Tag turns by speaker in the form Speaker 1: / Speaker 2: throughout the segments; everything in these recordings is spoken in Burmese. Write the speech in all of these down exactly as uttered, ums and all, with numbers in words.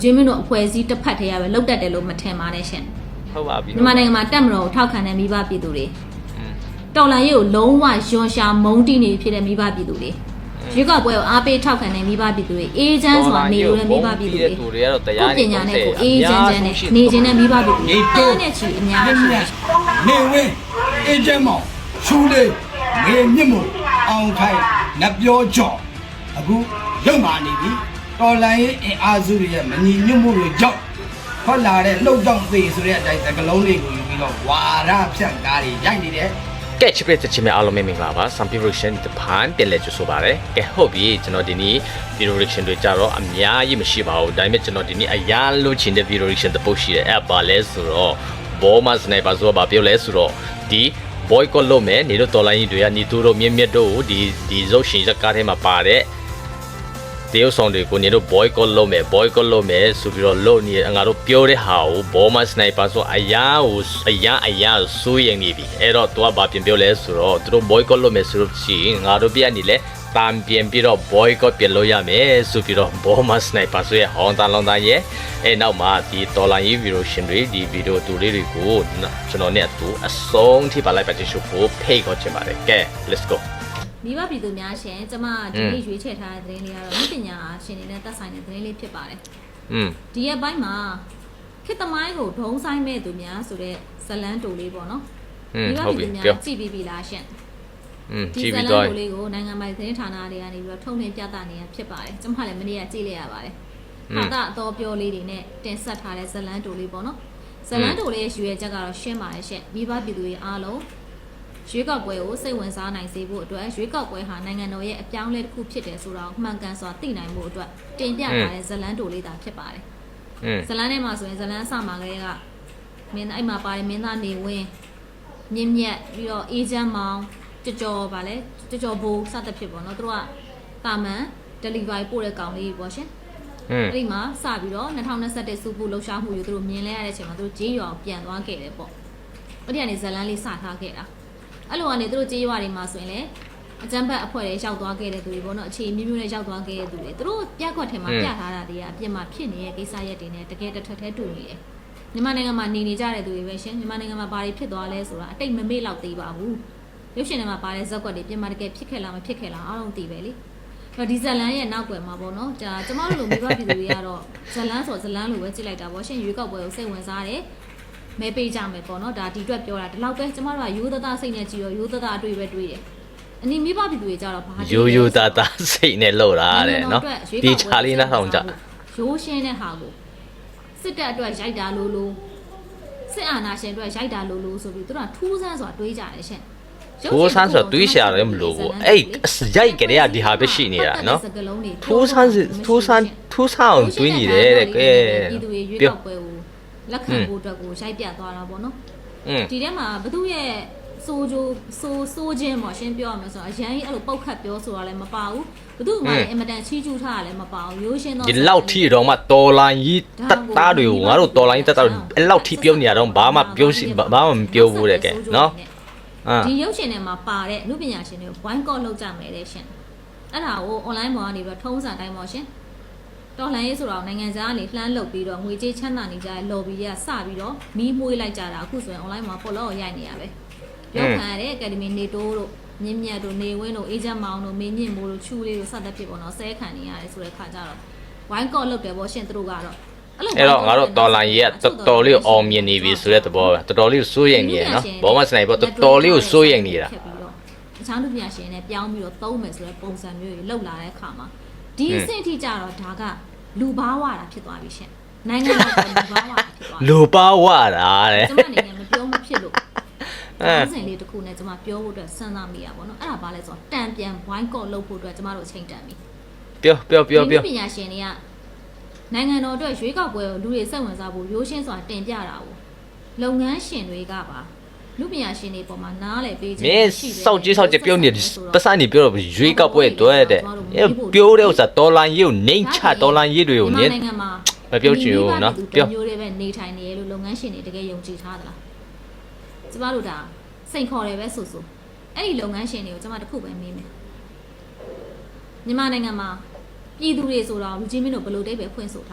Speaker 1: ဂျင်းမင်းတို့အဖွဲ့အစည်းတစ်ဖက်တည်းရပဲလောက်တတ်တယ်လို့မထင်ပါနဲ့ရှင်
Speaker 2: ဟုတ်ပါပြီ
Speaker 1: မြန်မာနိုင်ငံမှာတက်မတော်ကိုထောက်ခံတဲ့မိဘပြည်သူတွေတော်လှန်ရေးကိုလုံးဝယွန်ရှာမုန်းတီးနေဖြစ်တဲ့မိဘပြည်သူတွေရွေးကောက်ပွဲကိုအားပေးထောက်ခံတဲ့မိဘပြည်သူတွေအေးချမ်းစွာနေလို့တဲ့မိဘပြည်သူတွေကိုပညာနဲ့ကိုအေးချမ်းချမ်းနဲ့နေခြင်းနဲ့မိဘပြည်သူတွေအားနဲ့ချီအများကြီး
Speaker 3: နေဝင်းအေးချမ်းမောင်ချူလေးငေမြင့်မို့အောင်ခိုင်နတ်ပြောကြော်အခုရုပ်မာနေပြီတော်လန်ရေးအင်အားစုတွေရဲ့မညီညွတ်မှုတွေကြောင့်ထွက်လာတဲ့လှုပ်တော့သေးဆိုတဲ့အတိုင်းသကလုံးတွေကိုယူပြီးတော့ဝါရဖြန့်ကားတွေရိုက်နေတယ်
Speaker 2: ကဲချစ်ပြတဲ့ချစ်မြအားလုံးမင်္ဂလာပါ Some Reaction တပန်ပြန်လဲကြဆိုပါရယ်ကဲဟုတ်ပြီကျွန်တော်ဒီနေ့ video reaction တွေကြတော့အများကြီးမရှိပါဘူးဒါပေမဲ့ကျွန်တော်ဒီနေ့အရာလို့ချင်တဲ့ video reaction တစ်ပုတ်ရှိတယ်အဲ့ပါလဲဆိုတော့ဘောမစနိုက်ပါဆိုတော့ဗာပြောလဲဆိုတော့ဒီ boycott လုပ်မယ်နေတို့တော်လိုင်းကြီးတွေကညီတူတို့မြင့်မြတ်တို့ဒီဒီရုပ်ရှင်ဇာတ်ကားထဲမှာပါတဲ့တရုတ်ဆောင်တွေကိုနေတို့ boycott လုပ်မယ် boycott လုပ်မယ်ဆိုပြီးတော့လုပ်နေငါတို့ပြောတဲ့ဟာကိုဘောမစနိုက်ပါဆိုအရာကိုအရာအရာစိုးရင်နေပြီအဲ့တော့သူကဘာပြင်ပြောလဲဆိုတော့သူတို့ boycott လုပ်မယ်ဆိုလို့ရှိရင်ငါတို့ပြနေလဲတမ်ပြင်ပြီးတော့ boycott ပြင်လို့ရမယ်ဆိုပြီးတော့ဘောမစနိုက်ပါဆိုရဲ့ဟောင်းတန်လောင်းတန်ရဲ့အဲ့နောက်မှာဒီတော်လိုင်းရေးဗီဒီယိုရှင်တွေဒီဗီဒီယိုတူလေးတွေကိုကျွန်တော်နဲ့အတူအဆုံးထိပါလိုက်ပါချင်ရှုဖို့ဖိတ်ခေါ်ချင်ပါတယ်ကဲ let's go
Speaker 1: မိဘပြည်သူများရှင်ကျမဒီနေ့ရွေးချယ်ထားတဲ့သတင်းလေးကတော့ပညာရှင်တွေနဲ့သက်ဆိုင်တဲ့သတင်းလေးဖြစ်ပါတယ်
Speaker 2: อืม
Speaker 1: ဒီရက်ပိုင်းမှာခေတ်သမိုင်းကိုဒုံဆိုင်မဲ့သူများဆိုတဲ့ဇလန်းတူလေးပေါ့နော်
Speaker 2: မိဘပြည်သူများ
Speaker 1: ကြည့်ပြီးပြီလားရှင်
Speaker 2: อืมကြည့်ပြီးတော့
Speaker 1: ဒီဇလန်းတူလေးကိုနိုင်ငံပိုင်သတင်းဌာနတွေကနေပြီးတော့ထုတ်လွှင့်ပြသနေရဖြစ်ပါတယ်ကျမလည်းမနေ့ကကြည့်လိုက်ရပါတယ်ဟာတာအတော်ပြောလေးတွေနဲ့တင်ဆက်ထားတဲ့ဇလန်းတူလေးပေါ့နော်ဇလန်းတူလေးရဲ့ရွေးချက်ကတော့ရှင်းပါတယ်ရှင်မိဘပြည်သူတွေအားလုံးရွေးကောက်ပွဲကိုစိတ်ဝင်စားနိုင်စေဖို့အတွက်ရွေးကောက်ပွဲဟာနိုင်ငံတော်ရဲ့အပြောင်းအလဲတစ်ခုဖြစ်တယ်ဆိုတာကိုမှန်ကန်စွာသိနိုင်ဖို့အတွက်တင်ပြထားတဲ့ဇလန်းတိုလေးသာဖြစ်ပါတယ်။ဇလန်းထဲမှာဆိုရင်ဇလန်းအစမှာကလေးကမင်းအဲ့မှာပါတယ်မင်းသားနေဝင်းမြင့်မြတ်ပြီးတော့အေဂျင့်မောင်ကြော်ကြော်ပါလေကြော်ကြော်ဘိုးစသဖြင့်ပေါ့နော်သူတို့ကတာမန် delivery ပို့တဲ့ကောင်လေးပေါ့ရှင်။အဲ့ဒီမှာစပြီးတော့နှစ်ထောင်နှစ်ဆယ့်တစ်စုဖို့လှုပ်ရှားမှုတွေသူတို့မြင်လဲရတဲ့အချိန်မှာသူတို့ကြေးရွာပြန်သွားခဲ့တယ်ပေါ့။အဲ့ဒီကနေဇလန်းလေးစထားခဲ့တာအဲ့လိုကနေသူတို့ကြေးရွာတွေမှာဆိုရင်လည်းအကျန်းဖတ်အဖွဲ့တွေရောက်သွားခဲ့တဲ့သူတွေပေါ့နော်အခြေမျိုးမျိုးနဲ့ရောက်သွားခဲ့တဲ့သူတွေသူတို့ပြက်ခွက်ထဲမှာပြထားတာတွေကအပြစ်မှာဖြစ်နေတဲ့ကိစ္စရက်တွေနဲ့တကယ်တစ်ထက်ထဲတူနေတယ်မြန်မာနိုင်ငံမှာနေနေကြတဲ့သူတွေပဲရှင်မြန်မာနိုင်ငံမှာဘာတွေဖြစ်သွားလဲဆိုတာအတိတ်မမေ့လောက်သေးပါဘူးရုပ်ရှင်ထဲမှာပါတဲ့ဇက်ကွက်တွေပြင်မှာတကယ်ဖြစ်ခဲ့လားမဖြစ်ခဲ့လားအားလုံးသိပဲလေအဲ့ဒီဇလန်းရဲ့နောက်ွယ်မှာပေါ့နော်ဒါကျမတို့လိုမိဘပြည်သူတွေကတော့ဇလန်းဆိုဇလန်းလိုပဲကြည့်လိုက်တာပေါ့ရှင်ရွေးကောက်ပွဲကိုစိတ်ဝင်စားတယ်မဲပေးကြမယ်ပေါ့နော်ဒါဒီအတွက်ပြောတာဒီလောက်ပဲကျမတို့ကရိုးသားသားစိတ်နဲ့ကြည့်ရောရိုးသားသားအတွေ့ပဲတွေ့တယ်အနီးမိဘပြည်သူတွေကြတော့ဘာ
Speaker 2: ရိုးရိုးသားသားစိတ်နဲ့လှုပ်တာတဲ့နော်ဒီချာလေးနှောင်းကြ
Speaker 1: ရိုးရှင်းတဲ့ဟာကိုစစ်တပ်အတွက်ရိုက်တာလို့လို့စစ်အာဏာရှင်အတွက်ရိုက်တာလို့လို့ဆိုပြီးသူတို့ကထူးဆန်းစွာတွေးကြတယ်ရှင်
Speaker 2: ထိုးဆန်းဆိုတွေးရှာတယ်မလို့ဘူးအဲ့ရိုက်ကြတဲ့ဒီဟာပဲရှိနေတာနော်ထိုးဆန်းထိုးဆန်းထိုးဆန်းတွေးနေတယ်တဲ့ကဲ
Speaker 1: ပြည်သူတွေရွေးကောက်ပွဲကိုလက်ခံဖို့အတွက်ကိုရိုက်ပြသွားတာပေါ့နော်ဒီထဲမှာဘသူရဲ့စိုးကြိုးစိုးစိုးခြင်းပေါ့ရှင်းပြောရမယ်ဆိုတော့အရန်ကြီးအဲ့လိုပုတ်ခတ်ပြောဆိုတာလည်းမပါဘူးဘသူမှလည်းအင်မတန်ချီးကျူးထားတာလည်းမပါဘူးရိုးရှင်းတော့
Speaker 2: ဒီလောက်ထိတော့မှတော်လိုင်းကြီးတက်သားတွေကိုငါတို့တော်လိုင်းတက်သားတွေအဲ့လောက်ထိပြောနေရတော့ဘာမှပြောဘာမှမပြောဘူးတဲ့ကဲနော်
Speaker 1: ဒီရုပ်ရှင်ထဲမှာပါတဲ့အမှုပညာရှင်တွေကို boycott လုပ်ကြမယ်တဲ့ရှင်အဲ့ဒါကို online ပေါ်ကနေပြီးတော့ထုံးစံတိုင်းပေါ့ရှင်တော်လှန်ရေးဆိုတော့နိုင်ငံသားကနေလှမ်းလုပ်ပြီးတော့ငွေကြေးချမ်းသာနေကြတဲ့ lobby တွေကစပြီးတော့မီးမွှေးလိုက်ကြတာအခုဆိုရင် online မှာ follow ရိုက်နေရပဲရုပ်ခံရတဲ့ Academy နေတိုးတို့မြင့်မြတ်တို့နေဝင်းတို့အေဂျင့်မောင်တို့မင်းညင်မိုးတို့ချူလေးတို့စသဖြင့်ပေါ့နော်ဆဲခံနေရတယ်ဆိုတဲ့ခါကျတော့ boycott လုပ်တယ်ပေါ့ရှင်သူတို့ကတော့
Speaker 2: အဲ့တော့ငါတို့တော်လိုင်းရေးကတော်တော်လေးအောင်မြင်နေပြီဆိုတဲ့သဘောပဲတော်တော်လေးစိုးရိမ်နေရနော်ဘောမစနိုက်ပေါ့တော်တော်လေးကိုစိုးရိမ်နေတာ
Speaker 1: အချောင်းလူပညာရှင်နဲ့ပြောင်းပြီးတော့သုံးမယ်ဆိုတဲ့ပုံစံမျိုးကြီးလောက်လာတဲ့အခါမှာဒီအဆင့်အထိကျတော့ဒါကလူဘာဝတာဖြစ်သွားပြီရှင်နိုင်ငံတော်ကလူဘာဝတာဖြစ်သွား
Speaker 2: လူဘာဝတာတဲ့
Speaker 1: ကျမအနေနဲ့မပြောမဖြစ်လို့အဲအစဉ်လေးတစ်ခုနဲ့ကျမပြောဖို့အတွက်စဉ်းစားမိရပါတော့အဲ့ဒါဘာလဲဆိုတော့တန်ပြန် boycott လုပ်ဖို့အတွက်ကျမတို့အချိန်တန်ပြီ
Speaker 2: ပြောပြောပြောပြော
Speaker 1: ပညာရှင်တွေကနိုင်ငံတော်အတွက်ရွေးကောက်ပွဲကိုလူတွေစိတ်ဝင်စားဖို့ရိုးရှင်းစွာတင်ပြတာကိုလုပ်ငန်းရှင်တွေကပါလူပညာရှင်တွေပေါ်မှာနားလေပေး
Speaker 2: ခြင်းရှိတယ်စောက်ကြီးစောက်ကြီးပြောနေပတ်စံနေပြောတော့ရွေးကောက်ပွဲအတွက်တဲ့ပြောတဲ့ဥစ္စာတော်လိုင်းရေးကိုနှိမ့်ချတော်လိုင်းရေးတွေကိုနင်းမပြောချင်ဘူးနော်
Speaker 1: ပြောမျိုးတွေပဲနေထိုင်နေရလို့လုပ်ငန်းရှင်တွေတကယ်ယုံကြည်ထားသလားကျမတို့ဒါစိန်ခေါ်တယ်ပဲဆိုဆိုအဲ့ဒီလုပ်ငန်းရှင်တွေကိုကျမတခုပဲမေးမယ်မြန်မာနိုင်ငံမှာပြည်သူတွေဆိုတော့လူကြီးမင်းတို့ဘယ်လိုတိတ်ပဲဖွင့်ဆိုထားလဲ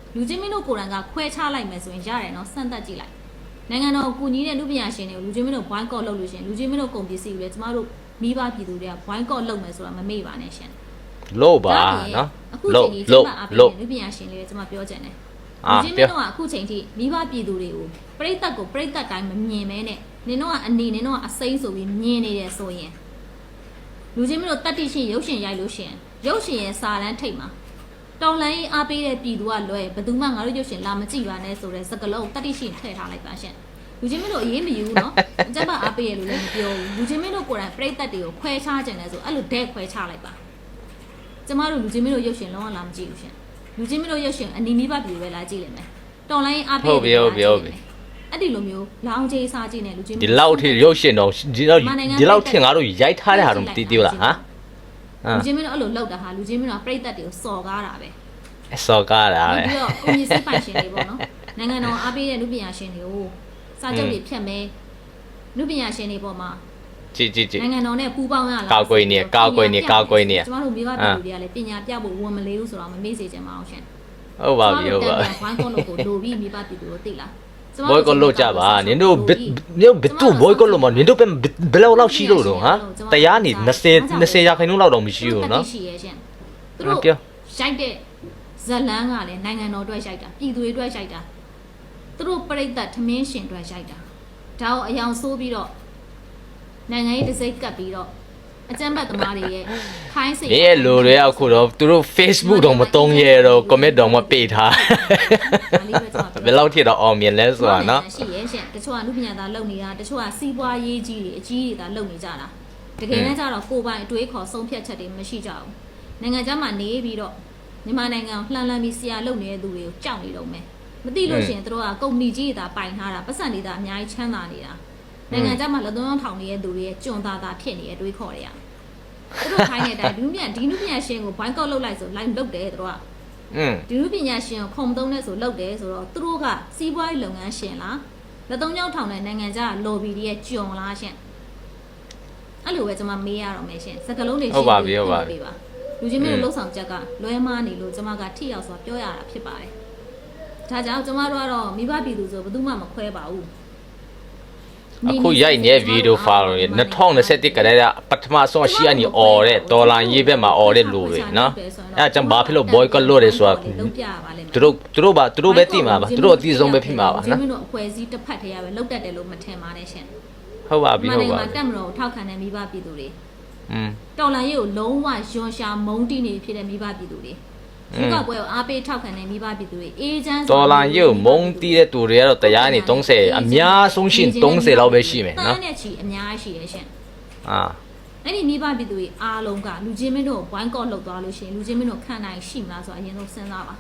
Speaker 1: လူချင်းမင်းတို့ကိုယ်တိုင်ကခွဲခြားလိုက်မယ်ဆိုရင်ရတယ်နော်စမ်းသပ်ကြည့်လိုက်နိုင်ငံတော်ကိုညီတဲ့လူပညာရှင်တွေကိုလူချင်းမင်းတို့ဘွိုင်းကော့လုပ်လို့ရှင်လူချင်းမင်းတို့ကုန်ပစ္စည်းတွေကျမတို့မိဘပြည်သူတွေကဘွိုင်းကော့လုပ်မယ်ဆိုတာမမေ့ပါနဲ့ရှင်
Speaker 2: လို့ပါနော်
Speaker 1: အခု
Speaker 2: လို့
Speaker 1: ချိန်ကြီးကျ
Speaker 2: လို့
Speaker 1: မအ
Speaker 2: လို့
Speaker 1: ပေးလူပညာရှင်တွေကျမပြောချင်တယ်
Speaker 2: အာ
Speaker 1: လူချင်းမင်းတို့ကအခုချိန်ထိမိဘပြည်သူတွေကိုပြိတ္တကိုပြိတ္တတိုင်းမမြင်မဲနဲ့နင်တို့ကအနီနင်တို့ကအစိမ့်ဆိုပြီးမြင်နေတယ်ဆိုရင်လူချင်းမင်းတို့တတ်တိရှင်ရုပ်ရှင်ရိုက်လို့ရှင်ရုပ်ရှင်ရဲ့စာလန်းထိတ်မှာတော်လိုင်းအားပေးတဲ့ပြည်သူကလွယ်ဘယ်သူမှငါတို့ရုပ်ရှင်လာမကြည့်ပါနဲ့ဆိုတဲ့စကလုံးတတ်တိရှင်ထည့်ထားလိုက်ပါရှင်လူချင်းမင်းတို့အေးမယူဘူးနော်အကြမ်းဖက်အားပေးရလို့လည်းမပြောဘူးလူချင်းမင်းတို့ကိုယ်တိုင်ပြိတ္တတွေကိုခွဲခြားကြတယ်ဆိုအဲ့လိုဒဲခွဲခြားလိုက်ပါကျမတို့လူချင်းမင်းတို့ရုပ်ရှင်လုံးဝလာမကြည့်ဘူးရှင်လူချင်းမင်းတို့ရုပ်ရှင်အနီးမိဘပြည်ပဲလာကြည့်လိမ့်မယ်တော်လိုင်းအားပေး
Speaker 2: ဟုတ်ပြီဟုတ်ပြီဟုတ်ပြီ
Speaker 1: အဲ့ဒီလိုမျိုးလောင်ကြီးစားကြည့်နေလူချင်း
Speaker 2: ဒီလောက်ထိရုပ်ရှင်တော့ဒီလောက်ဒီလောက်ထင်ငါတို့ရိုက်ထားတဲ့ဟာတော့မသိသေးဘူးလားဟမ်
Speaker 1: လူချင်းမင်းတို့အဲ့လိုလောက်တာဟာလူချင်းမင်းတို့ကပြိတ္တတွေကိုစော်ကားတာပဲ
Speaker 2: အစောကားတာလေ
Speaker 1: ပြီးတော့ကိုကြီးစိပိုင်ရှင်တွေပေါ့နော်နိုင်ငံတော်အားပေးတဲ့လူပညာရှင်တွေကိုစာချုပ်တွေဖြတ်မယ်လူပညာရှင်တွေပေါ်မှာ
Speaker 2: ကြည့်ကြည့်ကြည့်
Speaker 1: နိုင်ငံတော်နဲ့ပူးပေါင်းရလား
Speaker 2: ကောက်ကွေးနေကောက်ကွေးနေကောက်ကွေးနေ
Speaker 1: ကျမတို့မိဘပြည်သူတွေကလည်းပညာပြဖို့ဝန်မလေးဘူးဆိုတော့မမေ့စေချင်ပါအောင်ရှင်
Speaker 2: ဟုတ်ပါပြီဟုတ်ပါ
Speaker 1: ဘိုင်းကောလို့ကိုလိုပြီးမိဘပြည်သူကိုသိလား
Speaker 2: ဘွိုးကလို့ကြပါနင်တို့နင်တို့ဘစ်တူဘွိုးကလို့မနင်တို့ဘယ်လောက်လောက်ရှိလို့တော့ဟာတရားနေ20 20ရာခိုင်နှုန်းလောက်တော့မရှိဘူးနော်
Speaker 1: ရှိရဲ့ရှင်သူတို့ရိုက်တဲ့ဇလန်းကလည်းနိုင်ငံတော်အတွက်ရိုက်တာပြည်သူတွေအတွက်ရိုက်တာသူတို့ပြိတ္တထမင်းရှင်အတွက်ရိုက်တာဒါကိုအယောင်ဆိုးပြီးတော့နိုင်ငံရေးတစ်စိတ်ကပ်ပြီးတော့အကြမ်းဖက်သမားတွေရဲ့ခိုင်းစိတ်
Speaker 2: မင်းရဲ့လူတွေကအခုတော့သူတို့ Facebook တော့မတုံးရဲတော့ comment တော့မပေးထားဘယ်လောက်ထိတော့အောင်မြင်လဲဆိုတာနော်
Speaker 1: ရှိရဲ့ရှင်တချို့ကလူပညာသားလုပ်နေတာတချို့ကစီးပွားရေးကြီးတွေအကြီးတွေသာလုပ်နေကြတာတကယ်တမ်းကျတော့ကိုယ်ပိုင်အတွေးခေါ်ဆုံးဖြတ်ချက်တွေမရှိကြဘူးနိုင်ငံခြားမှာနေပြီးတော့မြန်မာနိုင်ငံကိုလှမ်းလှမ်းပြီးဆရာလုပ်နေတဲ့သူတွေကိုကြောက်နေတော့မယ်မသိလို့ရှိရင်တို့ကကုမ္ပဏီကြီးတွေသာပိုင်ထားတာပတ်စံတွေသာအများကြီးချမ်းသာနေတာနိုင်ငံခြားမှာလက်သွင်းထောင်နေတဲ့သူတွေရဲ့ကြွန်သားသားဖြစ်နေတဲ့အတွေးခေါ်တွေကသူတို့ခိုင်းတဲ့အတိုင်းဒီလူပညာဒီလူပညာရှင်ကိုဘိုင်းကောက်လုပ်လိုက်ဆိုလိုက်လုပ်တယ်တို့က
Speaker 2: อืม
Speaker 1: ဒီလူပညာရှင်ကိုခုံသုံးတဲ့ဆိုလုပ်တယ်ဆိုတော့သူတို့ကစီးပွားရေးလုပ်ငန်းရှင်လားလက်သုံးချောင်းထောင်တဲ့နိုင်ငံခြားလော်ဘီတွေရဲ့ကြွန်လားရှင်အဲ့လိုပဲကျွန်မမေးရတော့မယ်ရှင်စကလုံးတွေရှင်းပြပေးပါလူချင်းမျိုးလှုပ်ဆောင်ချက်ကလွဲမားနေလို့ကျွန်မကထိရောက်စွာပြောရတာဖြစ်ပါတယ်ဒါကြောင့်ကျွန်မတို့ကတော့မိဘပြည်သူဆိုဘယ်သူမှမခွဲပါဘူး
Speaker 2: အခုရိုက်နေတဲ့ဗီဒီယိုဖိုင်တွေ2021ကတည်းကပထမဆုံးရှိအနေអော်တဲ့ဒေါ်လာရေးဘက်မှာអော်တဲ့လူတွေနော်အဲအကြောင်းဘာဖြစ်လို့ boycott လုပ်တယ်ဆိုတာသူတို့သူတို့ပါသူတို့ပဲသိမှာပါသူတို့အသိဆုံးပဲဖြစ်မှာပါနော်
Speaker 1: ကျွန်တော်တို့အဖွဲစည်းတစ်ဖက်တည်းရပဲလောက်တတ်တယ်လို့မထင်ပါနဲ့ရှင်
Speaker 2: ဟုတ်ပါပြီဟုတ်ပါ
Speaker 1: မှာ
Speaker 2: ပြီ
Speaker 1: တက်မလို့ထောက်ခံတဲ့မိဘပြည်သူတွေ
Speaker 2: อืม
Speaker 1: တော်လိုင်းရေးကိုလုံးဝယွန်ရှာမုန်းတီးနေဖြစ်တဲ့မိဘပြည်သူတွေဒီကပွဲကိုအားပေးထောက်ခံတဲ့မိဘပြည်သူတွေအေဂျင့်
Speaker 2: ဒေါ်လာရေးကိုမုံတီးတဲ့သူတွေကတော့တရားနေ30အများဆုံးရှင်30လောက်ပဲရှိမယ်နော်
Speaker 1: တန်းနဲ့ချီအများကြီးရှိရရှင်
Speaker 2: အာ
Speaker 1: အဲ့ဒီမိဘပြည်သူတွေအားလုံးကလူချင်းမင်းတို့ကိုဘိုင်းကော့လောက်သွားလို့ရှိရင်လူချင်းမင်းတို့ခံနိုင်ရှိမလားဆိုတော့အရင်ဆုံးစဉ်းစားပါ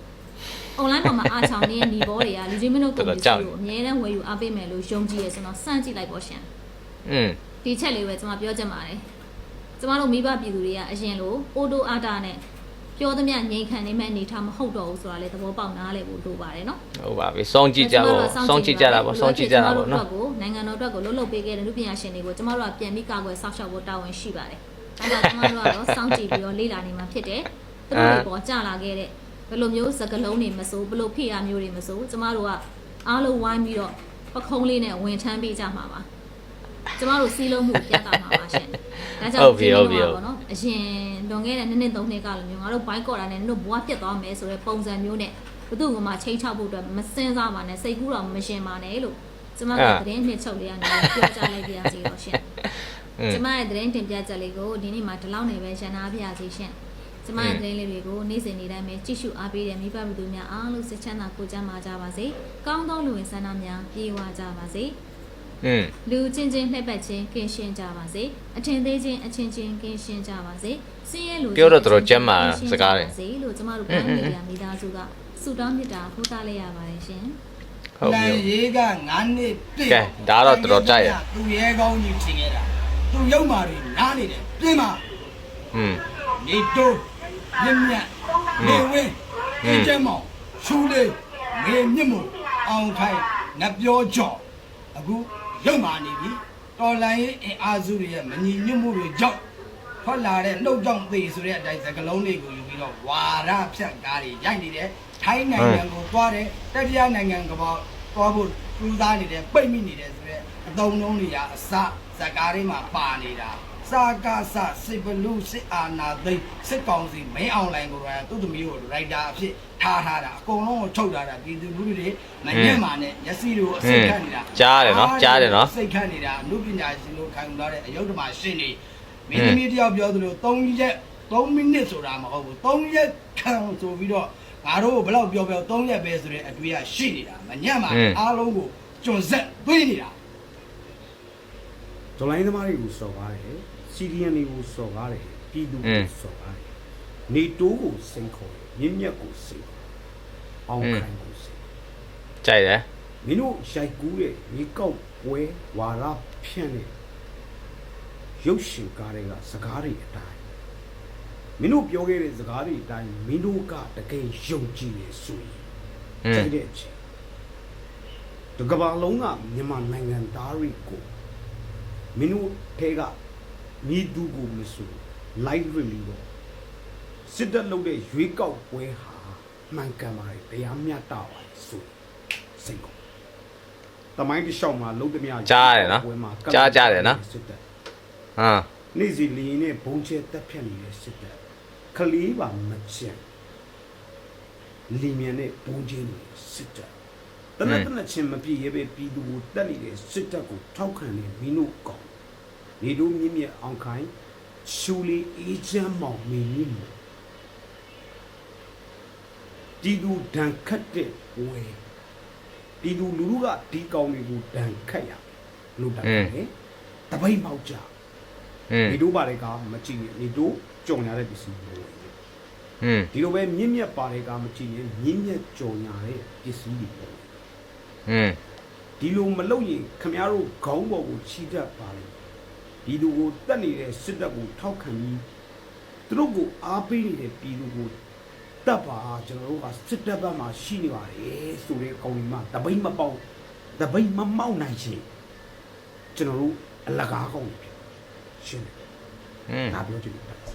Speaker 1: online ပေါ်မှာအားချောင်းနေတဲ့ညီဘောတွေကလူချင်းမင်းတို့ကိုကိုအများနဲ့ဝယ်ယူအားပေးမယ်လို့ယုံကြည်ရဆိုတော့စမ်းကြည့်လိုက်ပေါ့ရှင်
Speaker 2: อืม
Speaker 1: ဒီချက်လေးပဲကျွန်မပြောချင်ပါတယ်ကျွန်မတို့မိဘပြည်သူတွေကအရင်လိုအိုတိုအာတာနဲ့ပြောသမျှငြိမ်ခံနေမဲ့အနေထားမဟုတ်တော့ဘူးဆိုတာလေသဘောပေါက်နားလည်ဖို့လိုပါတယ်နော်
Speaker 2: ဟုတ်ပါပြီစောင့်ကြည့်ကြပါစောင့်ကြည့်ကြတာပေါ့စောင့်ကြည့်ကြတာပေါ့နော်
Speaker 1: ကိုနိုင်ငံတော်အတွက်ကိုလှုပ်လှုပ်ပေးခဲ့တဲ့လူပညာရှင်တွေကိုကျွန်မတို့ကပြန်ပြီးကာကွယ်ဆောက်ရှောက်ဖို့တာဝန်ရှိပါတယ်အဲဒါကျွန်မတို့ကတော့စောင့်ကြည့်ပြီးတော့လေ့လာနေမှာဖြစ်တယ်သူတို့တွေပေါ်ကြလာခဲ့တဲ့ဘယ်လိုမျိုးစကလုံးတွေမစိုးဘယ်လိုဖိအားမျိုးတွေမစိုးကျွန်မတို့ကအားလုံးဝိုင်းပြီးတော့ပခုံးလေးနဲ့ဝင်ထမ်းပေးကြမှာပါကျွန်တော်တို့စီးလုံးမှုပြတ်တာမှာပါရှင်ဒါကြောင့်ဒီလိုပါပေါ့နော်အရင်လွန်ခဲ့တဲ့နှစ်နှစ်သုံးနှစ်ကလိုမျိုးငါတို့ဘိုင်းကော်တာနဲ့တို့ဘွားပြတ်သွားမယ်ဆိုတဲ့ပုံစံမျိုးနဲ့ဘသူ့ကမှချိန်ချဖို့အတွက်မစင်စားပါနဲ့စိတ်ကူးတော့မရှင်ပါနဲ့လို့ကျွန်မကသတင်းနှစ်ချုပ်လေးကနေပြောကြားလိုက်ပြရစီတော့ရှင်ကျွန်မရဲ့သတင်းတင်ပြချက်လေးကိုဒီနေ့မှာဒီလောက်နေပဲရှင်းနာပြရစီရှင်ကျွန်မရဲ့သတင်းလေးတွေကိုနေ့စဉ်နေ့တိုင်းပဲကြည့်ရှုအားပေးတဲ့မိဘပြည်သူများအားလုံးစိတ်ချမ်းသာကိုယ်ကျန်းမာကြပါစေကောင်းသောလူဝင်ဆန္ဒများပြေဝကြပါစေ
Speaker 2: อืม
Speaker 1: လူချင်းချင်းလှည့်ပတ်ချင်းကင်းရှင်းကြပါစေအထင်သေးချင်းအချင်းချင်းကင်းရှင်းကြပါစေစင်းရဲလူလို့ကျမတို့ပိုင်းမီဒီယာမိသားစုကဆုတောင်းမြတ်တာပို့သလိုက်ရပါတယ်ရှင်
Speaker 2: ဟုတ်ပြီ
Speaker 3: ရေးကငါးနှစ်ပြည့်
Speaker 2: ကဲဒါတော့တော်တော်ကြိုက်ရ
Speaker 3: သူရဲကောင်းကြီးဖြစ်ခဲ့တာသူရုပ်မာတွေနားနေတယ်ပြင်မှာ
Speaker 2: อืม
Speaker 3: နေတိုးမြင့်မြတ်နေဝင်းဒီကျမောင်ရှူလေးငေမြင့်မို့အောင်ခိုင်နတ်ပြောကြော်အခုရုပ်မာနေပြီတော်လိုင်းရေးအင်အားစုတွေရဲ့မညီညွတ်မှုတွေကြောင့်ထွက်လာတဲ့နှုတ်ကြောင့်သေဆိုတဲ့အတိုင်းစကလုံးလေးကိုယူပြီးပြီးတော့ဝါရဖြတ်ကားတွေရိုက်နေတယ်ထိုင်းနိုင်ငံကိုသွားတယ်တတိယနိုင်ငံကပေါ့သွားဖို့ပူးစားနေတယ်ပိတ်မိနေတယ်ဆိုတော့အတုံးလုံးတွေကအစဇကားတွေမှာပါနေတာစာကားစစစ်ဘလူးစစ်အာနာသိစစ်ကောင်စီမင်းအောင်လိုင်ကိုတော့သူ့သမီးကိုရိုက်တာအဖြစ်ထားထားတာအကုန်လုံးကိုထုတ်ထားတာပြည်သူလူထုတွေမညံ့မာနဲ့မျက်စိတွေကိုအစိတ်ခတ်နေတာ
Speaker 2: ကြားတယ်နော်ကြားတယ်နော်
Speaker 3: စိတ်ခတ်နေတာအမှုပညာရှင်တို့ခံယူလာတဲ့အယုဒ္ဓမာရှင်းနေမင်းသမီးတယောက်ပြောသလို3ရက်3မိနစ်ဆိုတာမဟုတ်ဘူး3ရက်ခံဆိုပြီးတော့ငါတို့ဘယ်လောက်ပြောပြော3ရက်ပဲဆိုတဲ့အတွေ့အရှိနေတာမညံ့မာအားလုံးကိုကျွန်းဆက်သွေးနေတာ
Speaker 4: ဒလိုင်းသမားတွေကိုစော်ကားတယ်စီရီယန်တွေကိုစော်ကားတယ်ပြည်သူကိုစော်ကားတယ်နေတိုးကိုစိန်ခေါ်တယ်မြင့်မြတ်ကိုစိန်ခေါ်အောင်ခိုင်ကိုစိန်
Speaker 2: ကြိုက်တယ်
Speaker 4: မင်းတို့ရိုက်ကူးတဲ့မြေကောက်ပွဲဝါရဖြန့်တဲ့ရုပ်ရှင်ကားတွေကစကားတွေအတိုင်းမင်းတို့ပြောခဲ့တဲ့စကားတွေအတိုင်းမင်းတို့ကတကယ်ယုံကြည်နေဆိုရင်ကြိုက်တဲ့အချိန်တကဘာလုံးကမြန်မာနိုင်ငံသားတွေကိုမင်းတို့ထဲကမိသူကိုမဆို live review တော့စစ်တပ်လုပ်တဲ့ရွေးကောက်ပွဲဟာမှန်ကန်ပါတယ်တရားမျှတပါတယ်ဆိုစိတ်ကောတမိုင်းတစ်လျှောက်မှာလုံးသမျှ
Speaker 2: ကြားရတယ်နော်ကြားကြတယ်နော်
Speaker 4: စစ်တပ်
Speaker 2: ဟမ်
Speaker 4: နေ့စီလင်းနဲ့ဘုံကျဲတက်ဖြတ်နေတဲ့စစ်တပ်ခလေးပါမချင်လီမြန်နဲ့ဘုံကျဲနေတဲ့စစ်တပ်တနက်တနက်ချင်းမပြည့်ရဲပဲပြည်သူကိုတက်နေတဲ့စစ်တပ်ကိုထောက်ခံနေမင်းတို့ကောင်းနေတို့မြင့်မြတ်အောင်ခိုင်ရှူလီအေးချမ်းမောင်မင်းကြီးမို့ဒီသူဒဏ်ခတ်တဲ့ဝဲဒီသူလူလူကဒီကောင်တွေကိုဒဏ်ခတ်ရလို့တတ်တယ်တပိတ်မောက်ကြ
Speaker 2: อืม
Speaker 4: နေတို့ပါတယ်ကမကြည့်ရင်နေတို့ကြော်ညာတဲ့ပစ္စည်းတွေ
Speaker 2: อืม
Speaker 4: ဒီလိုပဲမြင့်မြတ်ပါတယ်ကမကြည့်ရင်မြင့်မြတ်ကြော်ညာတဲ့ပစ္စည်းတွေပေါ့
Speaker 2: อืม
Speaker 4: ဒီလိုမလုပ်ရင်ခမရတို့ခေါင်းပေါ်ကိုချီတတ်ပါလေဒီလူကိုတက်နေတဲ့စစ်တပ်ကိုထောက်ခံပြီးသူတို့ကိုအားပေးနေတဲ့ပြည်သူကိုတပ်ပါကျွန်တော်တို့ကစစ်တပ်ဘက်မှာရှိနေပါတယ်ဆိုတဲ့ကောင်းကြီးမှတပိတ်မပေါက်တပိတ်မမောက်နိုင်ချင်းကျွန်တော်တို့အလကားကောင်းဖြစ်ရှင်းတယ်
Speaker 2: อืม
Speaker 4: ဒါပြောချင်တယ်